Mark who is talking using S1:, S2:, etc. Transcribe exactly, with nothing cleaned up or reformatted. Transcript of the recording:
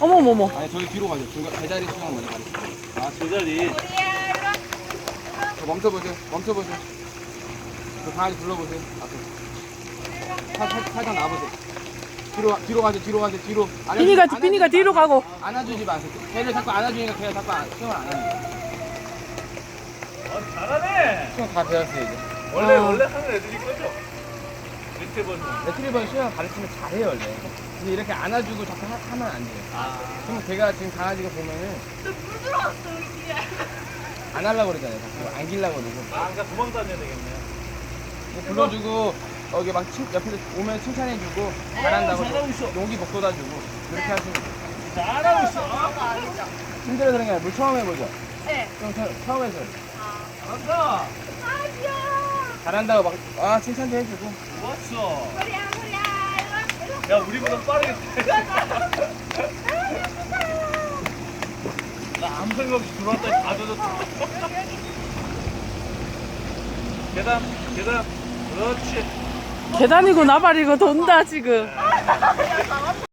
S1: 어머머머.
S2: 아니 저기 뒤로 가죠. 중간 제자리 수영 먼저 가죠.
S3: 아, 제자리.
S2: 저 멈춰보세요. 멈춰보세요. 저 강아지 불러보세요. 앞에. 살, 살, 살짝 나와보세요. 뒤로 가- 뒤로 가죠. 뒤로 가죠. 뒤로. 안아주-
S1: 비니가
S2: 안아주지
S1: 비니가 뒤로
S2: 마세요.
S1: 가고.
S2: 안아주지 마세요. 걔를 자꾸 안아주니까 걔가 자꾸 안- 수영을 안 합니다.
S3: 어, 잘하네.
S2: 수영 다 배웠어요 이제.
S3: 원래,
S1: 어.
S3: 원래 하는 애들이 거죠? 밑에 보면.
S2: 레트리버는 수영 가르치면 잘해요 원래. 근데 이렇게 안아주고 자꾸 하, 하면 안 돼요.
S3: 아.
S2: 그러면 걔가 지금 강아지가 보면은
S4: 물 들어왔어 여기에.
S2: 안 하려고 그러잖아요. 자꾸 안기려고 그러고.
S3: 아, 그러니까 도망 다녀야 되겠네.
S2: 뭐 불러주고 여기 막 칭, 옆에서 오면 칭찬해주고 잘한다고
S3: 잘하고 있어.
S2: 용기 복돋아주고 그렇게 하시면 돼요.
S3: 잘하고 있어.
S2: 힘들어서 그런 게 아니라 물 처음 해보죠.
S4: 네.
S2: 좀 처, 처음 해서
S3: 간다.
S4: 아 귀여워.
S2: 잘한다고 막 아 칭찬도 해주고.
S3: 좋았어.
S4: 머리야 머리야. 이리 와, 이리
S3: 야, 우리보다 빠르게. 나 아무 생각 없이 들어왔더니 다 젖었어. 계단, 계단. 그렇지.
S1: 계단이고 나발이고 돈다 지금.
S4: 와.